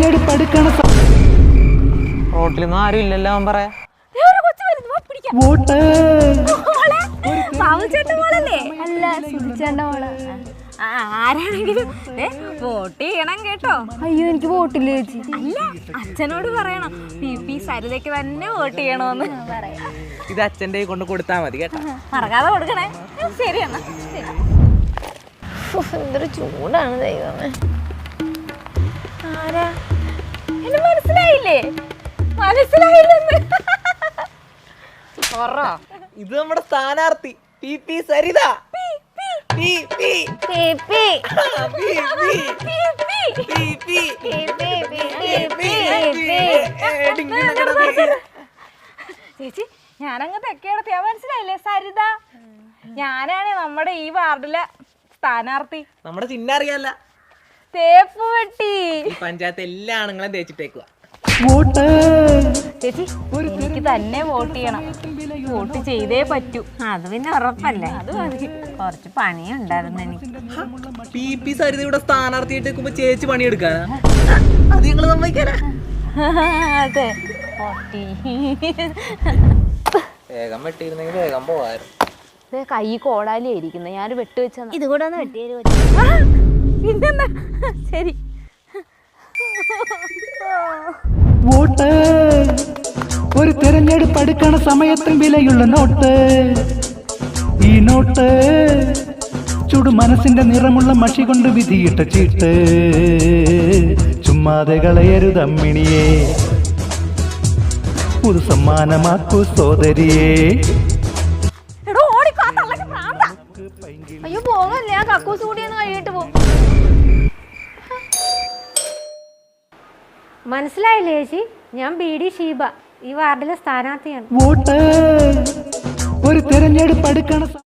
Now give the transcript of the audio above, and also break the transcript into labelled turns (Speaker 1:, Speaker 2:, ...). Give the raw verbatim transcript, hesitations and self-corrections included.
Speaker 1: തെരഞ്ഞെടുപ്പ് അടുക്കണ
Speaker 2: റോട്ടിലൊന്നും ആരും ഇല്ലല്ലോ അവൻ പറയാ
Speaker 1: വോട്ട്
Speaker 3: അല്ല സുധിച്ചേണ്ട മോള് ആരാണെങ്കിലും വോട്ട് ചെയ്യണം കേട്ടോ. അയ്യോ എനിക്ക് വോട്ടില്ല ചേച്ചി. അല്ല അച്ഛനോട് പറയണം പി പി സരിതയ്ക്ക് തന്നെ വോട്ട് ചെയ്യണോന്ന് പറയാം.
Speaker 2: ഇത് അച്ഛൻ്റെ കൊണ്ട് കൊടുത്താൽ മതി കേട്ടോ.
Speaker 3: മറക്കാതെ കൊടുക്കണേ. ശരി എന്നാ. എന്തൊരു ചൂടാണ് ദൈവമേ. ആരാ എന്നെ മനസ്സിലായില്ലേ? മനസ്സിലായില്ലെന്ന്
Speaker 2: ഇത് നമ്മുടെ സ്ഥാനാർത്ഥി പി പി സരിത.
Speaker 3: ചേച്ചി ഞാനങ്ങ് തെക്കേടത്തിയാ. മനസ്സിലായില്ലേ? സരിത ഞാനാണ് നമ്മുടെ ഈ വാർഡിലെ സ്ഥാനാർത്ഥി.
Speaker 2: നമ്മുടെ ചിഹ്നം അറിയാല്ല.
Speaker 3: തേപ്പ് വെട്ടി.
Speaker 2: ഈ പഞ്ചായത്ത് എല്ലാ ആണുങ്ങളും തേച്ചിട്ടേക്കുക.
Speaker 3: ചേച്ചി എനിക്ക് തന്നെ വോട്ട് ചെയ്യണം. വോട്ട് ചെയ്തേ പറ്റൂ. അത് പിന്നെ ഉറപ്പല്ലേ. അത് മതി. കുറച്ച് പണിയുണ്ടായിരുന്നു എനിക്ക്.
Speaker 2: പി പി സരിത ഇവിടെ സ്ഥാനാർത്ഥിയായിട്ട് നിൽക്കുമ്പോ ചേച്ചി പണിയെടുക്കാനാ? അത് ഞങ്ങള് സമ്മതിക്കാനാ?
Speaker 3: അതെ.
Speaker 2: വേഗം വെട്ടിയിരുന്നെങ്കിൽ വേഗം പോവായിരുന്നു.
Speaker 3: കൈ കോടാലിയായിരിക്കുന്നത്. ഞാനൊരു വെട്ട് വെച്ച ഇത് കൂടെ ഒന്ന് വെട്ടിയാലും പിന്നെന്താ. ശരി.
Speaker 1: വോട്ട് ഒരു തെരഞ്ഞെടുപ്പ് അടുക്കണ സമയത്തും വിലയുള്ള നോട്ട്. ഈ നോട്ട് ചുടു മനസ്സിന്റെ നിറമുള്ള മഷി കൊണ്ട് വിധിയിട്ട ചീട്ട്. ചുമ്മാതെ കളയരുതമ്മിണിയെ പുതു സമ്മാനമാക്കൂ സോദരിയെ.
Speaker 3: അയ്യോ പോകല്ലേ. ആ കക്കൂസ് കൂടിയൊന്ന് കഴിയിട്ട് പോകും. മനസ്സിലായില്ലേ ചേച്ചി? ഞാൻ ബി ഡി ഷീബ, ഈ വാർഡിലെ സ്ഥാനാർത്ഥിയാണ്.
Speaker 1: വോട്ട് ഒരു തെരഞ്ഞെടുപ്പ് അടുക്കണ